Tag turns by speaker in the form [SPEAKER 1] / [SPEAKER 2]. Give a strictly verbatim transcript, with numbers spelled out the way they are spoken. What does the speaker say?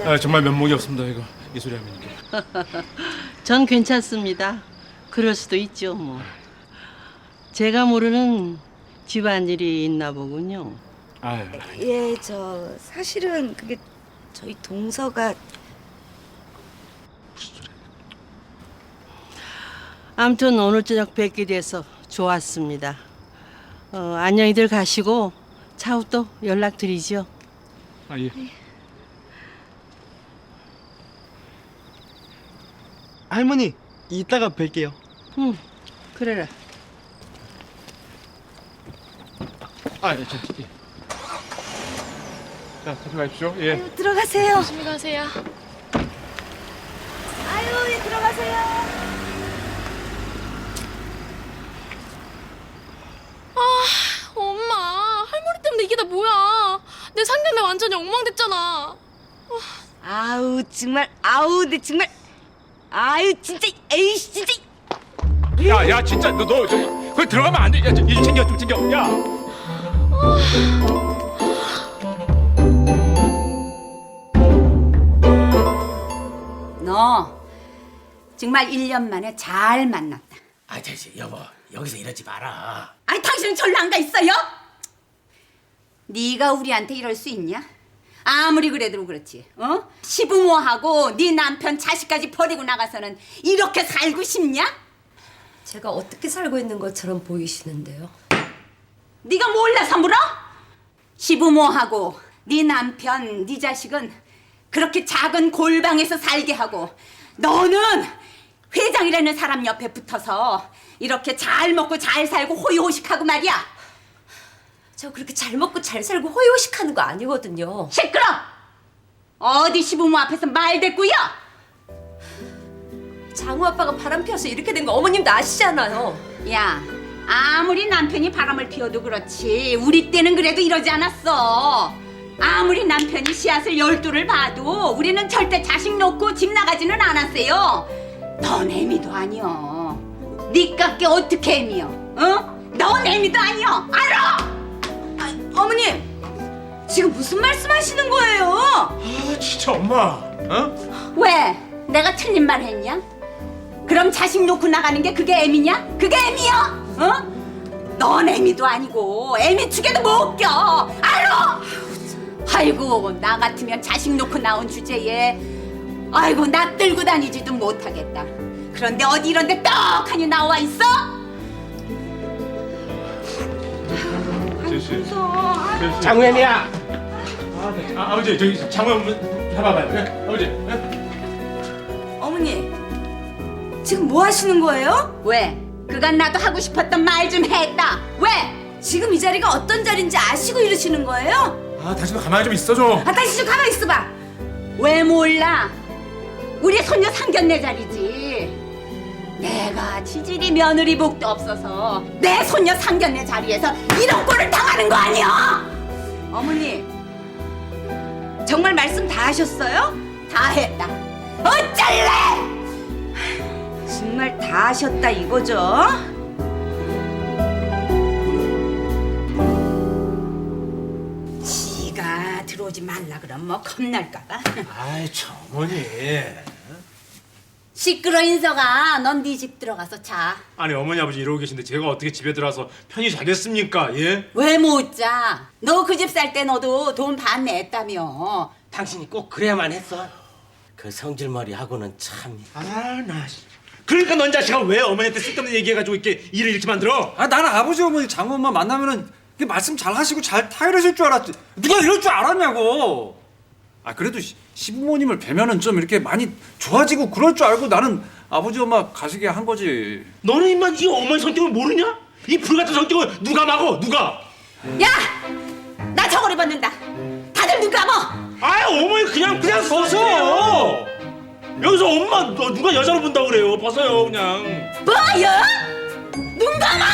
[SPEAKER 1] 죄송합니다.
[SPEAKER 2] 아, 정말 면목이 없습니다 이거 이 소리 하면.
[SPEAKER 3] 전 괜찮습니다. 그럴 수도 있죠 뭐. 제가 모르는 집안일이 있나 보군요.
[SPEAKER 2] 아유.
[SPEAKER 1] 예, 저 사실은 그게 저희 동서가
[SPEAKER 3] 아무튼 오늘 저녁 뵙게 돼서 좋았습니다. 어, 안녕히들 가시고 차후 또 연락드리죠.
[SPEAKER 2] 아 예.
[SPEAKER 4] 할머니, 이따가 뵐게요.
[SPEAKER 3] 응, 그래라.
[SPEAKER 2] 아 예. 저, 예. 자 같이 가십시오. 예.
[SPEAKER 1] 아유, 들어가세요.
[SPEAKER 5] 조심히 가세요.
[SPEAKER 1] 아유, 예, 들어가세요.
[SPEAKER 5] 엄마, 할머니 때문에 이게 다 뭐야? 내 상견례 완전히 엉망됐잖아.
[SPEAKER 1] 아우 정말 아우 내 정말 아유 진짜 에이씨 진짜.
[SPEAKER 2] 야, 야, 진짜 너, 너, 저, 거기 들어가면 안 돼. 야, 저, 일 챙겨, 좀 챙겨. 야.
[SPEAKER 6] 너 정말 일 년 만에 잘 만났다.
[SPEAKER 7] 아, 됐지 여보. 여기서 이러지 마라.
[SPEAKER 6] 아니 당신은 절로 안 가 있어요? 네가 우리한테 이럴 수 있냐? 아무리 그래도 그렇지, 어? 시부모하고 네 남편 자식까지 버리고 나가서는 이렇게 살고 싶냐?
[SPEAKER 8] 제가 어떻게 살고 있는 것처럼 보이시는데요?
[SPEAKER 6] 네가 몰라서 물어? 시부모하고 네 남편, 네 자식은 그렇게 작은 골방에서 살게 하고 너는 회장이라는 사람 옆에 붙어서 이렇게 잘 먹고 잘 살고 호의호식하고 말이야.
[SPEAKER 8] 저 그렇게 잘 먹고 잘 살고 호의호식하는 거 아니거든요.
[SPEAKER 6] 시끄러! 어디 시부모 앞에서 말대꾸야?
[SPEAKER 8] 장우 아빠가 바람 피워서 이렇게 된 거 어머님도 아시잖아요.
[SPEAKER 6] 야, 아무리 남편이 바람을 피워도 그렇지 우리 때는 그래도 이러지 않았어. 아무리 남편이 씨앗을 열두를 봐도 우리는 절대 자식 놓고 집 나가지는 않았어요. 넌 애미도 아니여. 니깎게 어떻게 애미여? 어? 넌 애미도 아니여. 알아? 아, 어머님, 지금 무슨 말씀하시는 거예요?
[SPEAKER 2] 아, 진짜 엄마. 어?
[SPEAKER 6] 왜? 내가 틀린 말 했냐? 그럼 자식 놓고 나가는 게 그게 애미냐? 그게 애미야? 어? 넌 애미도 아니고 애미 축에도 못 껴. 알아? 아이고, 나 같으면 자식 놓고 나온 주제에 아이고 나 들고 다니지도 못하겠다. 그런데 어디 이런 데 떡하니 나와 있어?
[SPEAKER 2] 제시.
[SPEAKER 7] 장우현이야.
[SPEAKER 2] 아, 네. 아, 아버지 저기 장우 한번 해봐봐요. 예? 아버지. 예?
[SPEAKER 1] 어머니 지금 뭐 하시는 거예요?
[SPEAKER 6] 왜? 그간 나도 하고 싶었던 말 좀 했다. 왜?
[SPEAKER 1] 지금 이 자리가 어떤 자리인지 아시고 이러시는 거예요?
[SPEAKER 2] 아, 당신도 가만히 좀 있어 좀.
[SPEAKER 1] 아 다시 좀 가만히 있어봐.
[SPEAKER 6] 왜 몰라? 우리 손녀 상견례 자리지. 내가 지질이 며느리 복도 없어서 내 손녀 상견례 자리에서 이런 꼴을 당하는 거 아니야?
[SPEAKER 1] 어머니 정말 말씀 다 하셨어요?
[SPEAKER 6] 다 했다. 어쩔래?
[SPEAKER 1] 정말 다 하셨다 이거죠?
[SPEAKER 6] 지가 들어오지 말라 그럼 뭐 겁날까봐.
[SPEAKER 7] 아이, 저 어머니.
[SPEAKER 6] 시끄러 인서가 넌 네 집 들어가서 자.
[SPEAKER 2] 아니 어머니 아버지 이러고 계신데 제가 어떻게 집에 들어와서 편히 자겠습니까? 예?
[SPEAKER 6] 왜 못 자? 너 그 집 살 때 너도 돈 반 냈다며.
[SPEAKER 7] 당신이 꼭 그래야만 했어. 그 성질머리하고는 참.
[SPEAKER 2] 아, 나. 그러니까 넌 자식아 왜 어머니한테 쓸데없는 얘기해가지고 이렇게 일을 이렇게 만들어?
[SPEAKER 9] 아 나는 아버지 어머니 장모 엄마 만나면은 이렇게 말씀 잘 하시고 잘 타이르실 줄 알았지. 누가 이럴 줄 알았냐고. 아 그래도 시, 시부모님을 뵈면은 좀 이렇게 많이 좋아지고 그럴 줄 알고 나는 아버지 엄마 가시게 한 거지.
[SPEAKER 2] 너는 임마 이 어머니 성격을 모르냐? 이 불같은 성격을 누가 막어? 누가?
[SPEAKER 6] 야! 나 저걸 입었는다. 다들 눈 감어.
[SPEAKER 2] 아이 어머니 그냥 그냥 벗어. 여기서 엄마 너 누가 여자로 본다고 그래요? 벗어요 그냥.
[SPEAKER 6] 뭐야? 눈 감아.